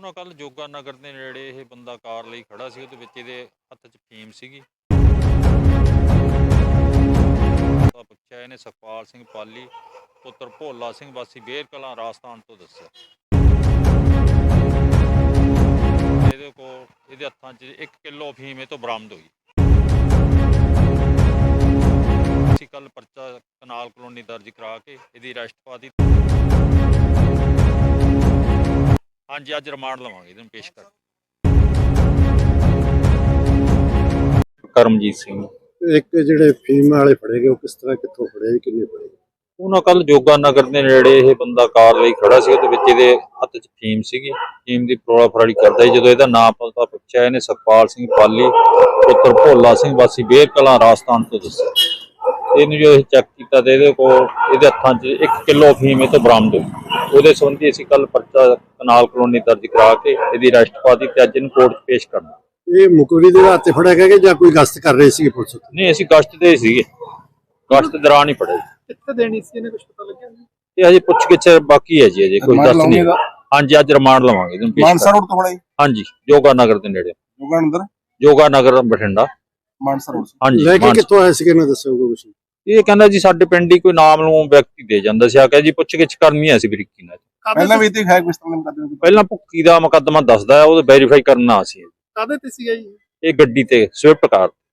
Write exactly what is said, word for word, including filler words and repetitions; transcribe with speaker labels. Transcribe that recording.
Speaker 1: ਉਹਨਾਂ ਕੱਲ ਜੋਗਾ ਨਗਰ ਦੇ ਨੇੜੇ ਇਹ ਬੰਦਾ ਕਾਰ ਲਈ ਖੜਾ ਸੀ, ਉਹਦੇ ਵਿੱਚ ਇਹਦੇ ਹੱਥ 'ਚ ਫੀਮ ਸੀਗੀ। ਤਾਂ ਪੁੱਛਿਆ ਇਹਨੇ ਸੁਖਪਾਲ ਸਿੰਘ ਪਾਲੀ ਪੁੱਤਰ ਭੋਲਾ ਸਿੰਘ ਵਾਸੀ ਬੇਰ ਕਲਾਂ ਰਾਜਸਥਾਨ ਤੋਂ ਦੱਸਿਆ। ਇਹਦੇ ਕੋਲ ਇਹਦੇ ਹੱਥਾਂ 'ਚ ਇੱਕ ਕਿਲੋ ਫੀਮ ਇਹ ਤੋਂ ਬਰਾਮਦ ਹੋਈ। ਅਸੀਂ ਕੱਲ ਪਰਚਾ ਕਨਾਲ ਕਲੋਨੀ ਦਰਜ ਕਰਾ ਕੇ ਇਹਦੀ ਅਰੈਸਟ ਪਾ ਦਿੱਤੀ। ਹਾਂਜੀ, ਅੱਜ ਰਿਮਾਂਡ ਲਵਾਂਗੇ ਇਹਨੂੰ ਪੇਸ਼ ਕਰ। ਕਰਮਜੀਤ ਸਿੰਘ।
Speaker 2: ਇੱਕ ਜਿਹੜੇ ਫੀਮ ਵਾਲੇ ਫੜੇ ਗਏ ਉਹ ਕਿਸ ਤਰ੍ਹਾਂ ਕਿੱਥੋਂ ਫੜੇ ਜੀ, ਕਿੰਨੇ ਫੜੇ?
Speaker 1: ਉਹਨਾਂ ਕੱਲ ਜੋਗਾ ਨਗਰ ਦੇ ਨੇੜੇ ਇਹ ਬੰਦਾ ਕਾਰ ਲਈ ਖੜਾ ਸੀ, ਉਹਦੇ ਵਿੱਚ ਇਹਦੇ ਹੱਥ 'ਚ ਫੀਮ ਸੀਗੀ। ਫੀਮ ਦੀ ਫਰੋਲਾ ਫਰਾੜੀ ਕਰਦਾ ਸੀ। ਜਦੋਂ ਇਹਦਾ ਨਾਮ ਪਤਾ ਪੁੱਛਿਆ ਇਹਨੇ ਸੁਖਪਾਲ ਸਿੰਘ ਪਾਲੀ ਪੁੱਤਰ ਭੋਲਾ ਸਿੰਘ ਵਾਸੀ ਬੇਰ ਕਲਾਂ ਰਾਜਸਥਾਨ ਤੋਂ ਦੱਸਿਆ। ਇਹਨੂੰ ਜੋ ਇਹ ਚੈੱਕ ਕੀਤਾ ਤੇ ਇਹਦੇ ਕੋਲ ਇਹਦੇ ਹੱਥਾਂ 'ਚ ਇੱਕ ਕਿਲੋ ਫੀਮ ਇਹ ਤੋਂ ਬਰਾਮਦ ਹੋਈ। ਉਹਦੇ ਸੰਬੰਧੀ ਅਸੀਂ ਕੱਲ ਪਰਚਾ ਕਨਾਲ ਕਲੋਨੀ ਦਰਜ ਕਰਾ ਕੇ ਇਹਦੀ ਅਰੈਸਟ ਪਾ ਦਿੱਤੀ ਤੇ ਅੱਜ ਇਹਨੂੰ ਕੋਰਟ 'ਚ ਪੇਸ਼ ਕਰਨਾ।
Speaker 2: ਇਹ ਮੁਕਵਰੀ ਦੇ ਹੱਥ ਤੇ ਫੜਿਆ ਗਿਆ ਕਿ ਜਾਂ ਕੋਈ ਗਸ਼ਤ ਕਰ ਰਹੇ ਸੀ ਪੁਲਿਸ?
Speaker 1: ਨਹੀਂ, ਅਸੀਂ ਗਸ਼ਤ ਤੇ ਸੀਗੇ, ਗਸ਼ਤ ਦੌਰਾਨ ਹੀ ਫੜਿਆ।
Speaker 3: ਕਿੱਥੇ ਦੇਣੀ ਸੀ ਇਹਨੇ, ਕੁਝ ਪਤਾ ਲੱਗਿਆ?
Speaker 1: ਇਹ ਹਜੇ ਪੁੱਛ ਗਿੱਛ ਬਾਕੀ ਹੈ ਜੀ, ਅਜੇ ਕੋਈ ਦੱਸ ਨਹੀਂ। ਹਾਂਜੀ, ਅੱਜ ਰਿਮਾਂਡ ਲਵਾਂਗੇ ਇਹਨੂੰ ਪੇਸ਼
Speaker 3: ਮਾਨਸਾ ਰੋਡ ਤੋਂ ਫੜਿਆ?
Speaker 1: ਹਾਂਜੀ, ਜੋਗਾ ਨਗਰ ਦੇ ਨੇੜੇ।
Speaker 3: ਜੋਗਾ ਨਗਰ
Speaker 1: ਜੋਗਾ ਨਗਰ ਬਠਿੰਡਾ
Speaker 3: ਮਾਨਸਾ ਰੋਡ।
Speaker 1: ਹਾਂਜੀ,
Speaker 2: ਲੈ ਕੇ ਕਿੱਥੋਂ ਆਏ ਸੀਗੇ ਨਾ ਦੱਸੋ ਕੁਝ?
Speaker 1: ਇਹ ਕਹਿੰਦਾ ਜੀ ਸਾਡੇ ਪਿੰਡ ਹੀ ਕੋਈ ਨਾਮ ਨੂੰ ਵਿਅਕਤੀ ਦੇ ਜਾਂਦਾ ਸੀ, ਆ ਕੇ ਜੀ ਪੁੱਛ ਗਿੱਛ ਕਰਨੀ ਹੈ ਅਸੀਂ ਬਰੀਕੀ ਨਾਲ।
Speaker 3: ਪਹਿਲਾਂ ਵੀ ਤੇ ਹੈ ਕੁਝ ਤਰ੍ਹਾਂ ਦਾ ਮੁਕੱਦਮਾ?
Speaker 1: ਪਹਿਲਾਂ ਭੁੱਕੀ ਦਾ ਮੁਕੱਦਮਾ ਦੱਸਦਾ ਹੈ, ਉਹ ਵੈਰੀਫਾਈ ਕਰਨਾ ਸੀ।
Speaker 3: ਕਾਹਦੇ ਤੇ ਸੀਗਾ ਜੀ?
Speaker 1: ਇਹ ਗੱਡੀ ਤੇ ਸਵਿਫਟ ਕਾਰ।